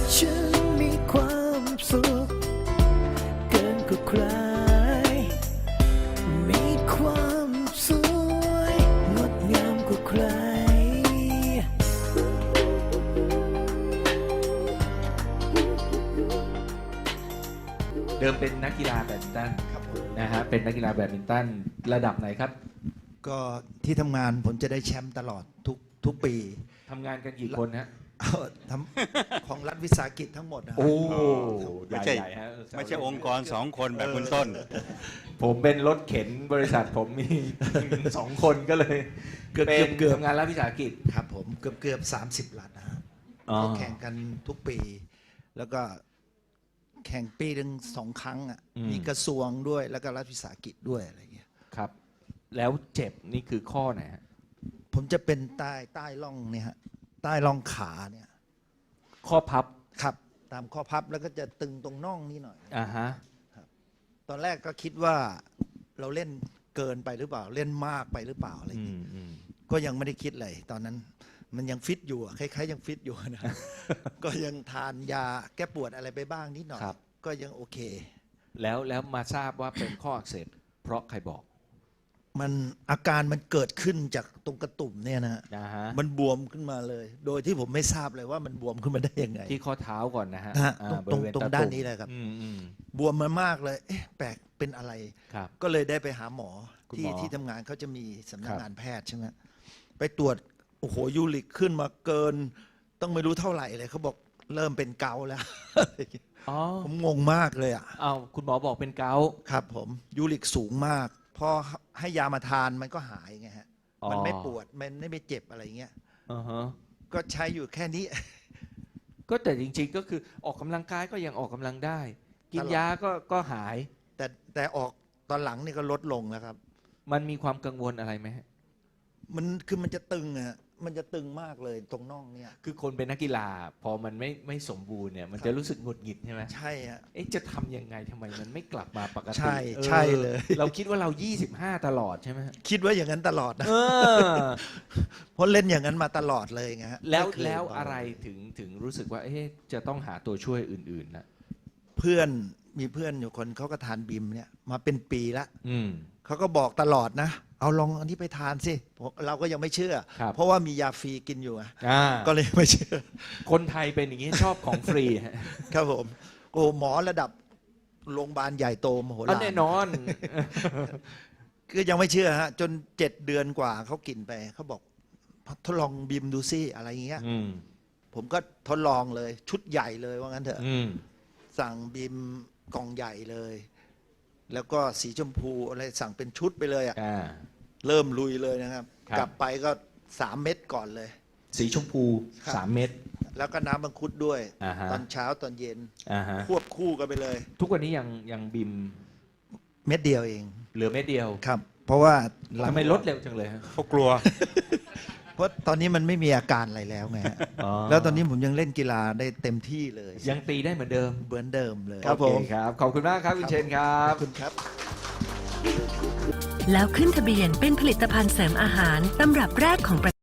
ฉันมีความสุขเกินกว่าใครมีความสวยงดงามกว่าใครเดิมเป็นนักกีฬาแบดมินตันครับผมนะฮะเป็นนักกีฬาแบดมินตันระดับไหนครับก็ที่ทำงานผมจะได้แชมป์ตลอดทุกปีทำงานกันกี่คนฮะทำของรัฐวิสาหกิจทั้งหมดนะโอ้ไม่ใช่ใหญ่ๆฮะไม่ใช่องค์กรสองคนแบบคุณต้นผมเป็นรถเข็นบริษัทผมมี 2 คนก็เลยเกือบเป็นเกือบทำงานรัฐวิสาหกิจครับผมเกือบ30 ลัฐนะฮะอ๋อก็แข่งกันทุกปี แล้วก็แข่งปีหนึ่ง2 ครั้งอ่ะมีกระทรวงด้วยแล้วก็รัฐวิสาหกิจด้วยอะไรเงี้ยครับ แล้วเจ็บนี่คือข้อไหนฮะผมจะเป็นใต้ร่องเนี่ยฮะใต้ร่องขาเนี่ยข้อพับครับตามข้อพับแล้วก็จะตึงตรงน่องนี่หน่อยอ่าฮะตอนแรกก็คิดว่าเราเล่นเกินไปหรือเปล่าเล่นมากไปหรือเปล่าอะไรอืเงี้ยมก็ยังไม่ได้คิดเลยตอนนั้นมันยังฟิตอยู่อะคล้ายๆยังฟิตอยู่นะ ก็ยังทานยาแก้ปวดอะไรไปบ้างนิดหน่อยครับก็ยังโอเคแล้วมาทราบว่าเป็นข้ออักเสบเพราะใครบอกมันอาการมันเกิดขึ้นจากตรงกระตุ่มเนี่ยนะนะฮะมันบวมขึ้นมาเลย โดยที่ผมไม่ทราบเลยว่ามันบวมขึ้นมาได้ยังไงที่ข้อเท้าก่อนนะฮะนะฮะอ่าตรงบริเวณตรงตะตุ่มด้านนี้เลยครับอืมบวมมามากเลยเอ๊ะแปลกเป็นอะไรครับก็เลยได้ไปหาหมอคุณที่หมอที่ทำงานเขาจะมีสำนัคกรับงานแพทย์ใช่ไหมไปตรวจโอ้โหยูริกขึ้นมาเกิน ต้องไม่รู้เท่าไหร่เลยเขาบอกเริ่มเป็นเกาต์แล้วอ๋อผมงงมากเลยอ่ะเอาคุณหมอบอกเป็นเกาต์ครับผมยูริกสูงมาก พอให้ยามาทานมันก็หายไงฮะอ๋อมันไม่ปวดมันไม่เจ็บอะไรเงี้ยอ่าฮะก็ใช้อยู่แค่นี้ก็แต่จริงๆก็คือออกกำลังกายก็ยังออกกำลังได้ กินตลอดยาก็หายแต่ออกตอนหลังนี่ก็ลดลงแล้วครับมันมีความกังวลอะไรไหมฮะมันจะตึงอะมันจะตึงมากเลยตรงน่องเนี่ยคือคนเป็นนักกีฬา พอมันไม่สมบูรณ์เนี่ย มันจะรู้สึกหงุดหงิดใช่ไหมใช่ฮะเอ๊ะจะทำยังไงทำไมมันไม่กลับมาปกติใช่ออใช่เลยเราคิดว่าเรา 25 ตลอดใช่ไหมฮะคิดว่าอย่างนั้นตลอดนะเออเพราะเล่นอย่างนั้นมาตลอดเลยไงฮะแล้วไม่เคยแล้วเบาอะไรถึงรู้สึกว่าเอ๊ะจะต้องหาตัวช่วยอื่นๆนะเพื่อนมีเพื่อนอยู่คนเขาก็ทานบิมเนี่ยมาเป็นปีละอืมเขาก็บอกตลอดนะ เอาลองอันนี้ไปทานสิเราก็ยังไม่เชื่อครับเพราะว่ามียาฟรีกินอยู่อะอ่าก็เลยไม่เชื่อคนไทยเป็นอย่างนี้ชอบของฟรีฮะครับผมโอ้หมอระดับโรงพยาบาลใหญ่โตมโหเอาฬารแน่นอนคือยังไม่เชื่อฮะจน7 เดือนกว่าเขากินไปเขาบอกทดลองบิมดูซิอะไรอย่างเงี้ยอืมผมก็ทดลองเลยชุดใหญ่เลยว่างั้นเถอะอืมสั่งบิมกล่องใหญ่เลย แล้วก็สีชมพูอะไรสั่งเป็นชุดไปเลยอะอ่าเริ่มลุยเลยนะครับครับกลับไปก็3 เม็ดก่อนเลยสีชมพูครับ 3 เม็ดแล้วก็น้ำมังคุดด้วยอ่าฮะตอนเช้าตอนเย็นอ่าฮะควบคู่กันไปเลยทุกวันนี้ยังบิมเม็ดเดียวเองเหลือเม็ดเดียวครับ เพราะว่าหลังทำไมลดเร็วจังเลยฮะเขากลัวเพราะตอนนี้มันไม่มีอาการอะไรแล้วไงฮะอ๋อแล้วตอนนี้ผมยังเล่นกีฬาได้เต็มที่เลยยังตีได้เหมือนเดิมเหมือนเดิมเลยโอเคครับ ขอบคุณมากครับคุณเชนครัขบอบคุณครับแล้วขึ้นทะเบียนเป็นผลิตภัณฑ์เสริมอาหารตำรับแรกของประ